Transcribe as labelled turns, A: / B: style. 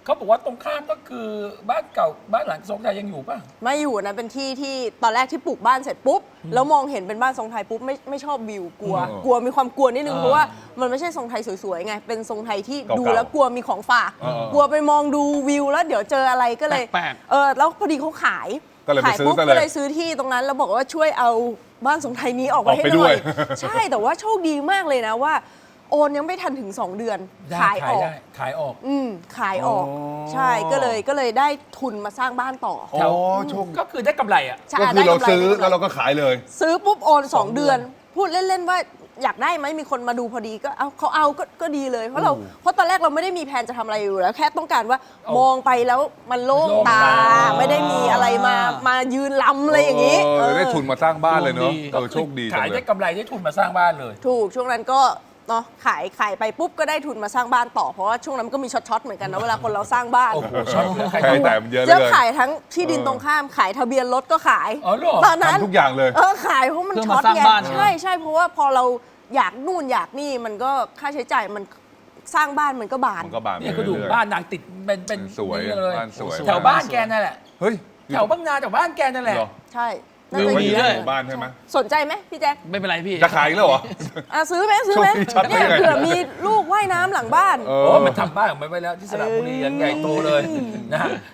A: เขาบอกว่าตรงข้ามก็คือบ้านเก่าบ้านหลังทรงไทยยังอยู่ป่ะ
B: ไม่อยู่นะเป็นที่ที่ตอนแรกที่ปลูกบ้านเสร็จปุ๊บแล้วมองเห็นเป็นบ้านทรงไทยปุ๊บไม่ชอบวิวกลัว กลัวมีความกลัวนิดนึงเพราะว่ามันไม่ใช่ทรงไทยสวยๆไงเป็นทรงไทยที่ดูแล้วกลัวมีของฝากกลัวไปมองดูวิวแล้วเดี๋ยวเจออะไรก็เลย
C: แปลก
B: แล้วพอดีเขาขาย
D: ก็เลยไป
B: ขาย
D: ซื้อ
B: ปุ๊บ
D: ซะเลย
B: ก็เลยซื้อที่ตรงนั้นแล้วบอกว่าช่วยเอาบ้านทรงไทยนี้ออกไป
D: ออก
B: ให้
D: ไป
B: ห
D: ด้
B: น่
D: ว
B: อย ย ใช่แต่ว่าโชคดีมากเลยนะว่า โอนยังไม่ทันถึง 2 เดือน
A: ได้
B: ขายออก
A: ได้ขายออก
B: ขายออก
D: อ๋อ
B: ใช่ก็เลยได้ทุนมาสร้างบ้านต่อ
D: อ๋อโชค
A: ก็คือได้กำไรอ่ะ
B: ใช่
D: ก็คือ
B: ได้
D: เรา
B: กำไร
D: ซื้อ
B: ได้กำไร
D: แล้วเราก็ขายเลย
B: ซื้อปุ๊บโอน
A: สอง
B: 2 เดือน พูดเล่น ๆ ว่าอยากได้ไหมมีคนมาดูพอดีก็เอาเขาเอาก็ดีเลย เพราะตอนแรกเราไม่ได้มีแผนจะทำอะไรอยู่แล้ว แค่ต้องการว่ามองไปแล้วมันโล่งตา ไม่ได้มีอะไรมายืนล้ำอะไรอย่างนี้
D: ได้ทุนมาสร้างบ้านเลยเนาะ
A: ก็
D: โชคดีจั
A: ขาง ย
D: เล
A: ได้
D: ย
A: กำไรได้ทุนมาสร้างบ้านเลย
B: ถูกช่วงนั้นก็เนาะขายไปปุ๊บก็ได้ทุนมาสร้างบ้านต่อเพราะว่าช่วงนั้นก็มีช็อตๆเหมือนกันนะเวลาคนเราสร้างบ้าน
A: โอ้โหช็อตเลยใคร
D: ใช่
A: ทำ
D: แต่มันเยอะเล
B: เจ๊
D: ย
B: ขายทั้งที่ดินตรงข้ามขายทะเบียนรถก็ขาย
A: อ๋อเหรอ
B: ตอนนั้น
D: ทำทุกอย่างเลย
B: ขายเพราะมัน
C: เพื่อ
B: ช็อ
C: มา
B: ต
C: สร้าง
B: ไง
C: บ้าน
B: ใช่เพราะว่าพอเราอยากนู่นอยากนี่มันก็ค่าใช้จ่ายมันสร้างบ้านมันก็บาน
D: มันก็บาน
A: เนี่ยก็
D: ไป
A: ดู
D: เรื่อยๆ
A: บ้านนางติดเป็น
D: สวย
A: นี่เลย
D: บ้านสวย
A: แถวบ้านแกนั่นแหละ
D: เฮ้ย
A: แถวบางนาแถวบ้านแกนั่นแหละ
D: เหรอ
B: ใช่น่า
D: เรื่อง
B: จะ
D: ไว้
B: ดี
D: อยู่
C: เลย
D: ในหมู่บ้านใช่ไหม
B: สนใจไหมพี่แจ๊ค
C: ไม่เป็นไรพี่
D: จะขายอีกแล้วเหรอ
B: ซื้อไหมซื้อไหม
D: ช่วงนี้ชัด
B: เนี่ย
D: ได้ไง
B: เผื่อมีลูกว่ายน้ำหลังบ้าน
D: เอ
A: โอ้
D: อ
A: มันทำบ้านของมันไว้แล้วที่สระบุรียังใหญ่โตเลยนะฮะ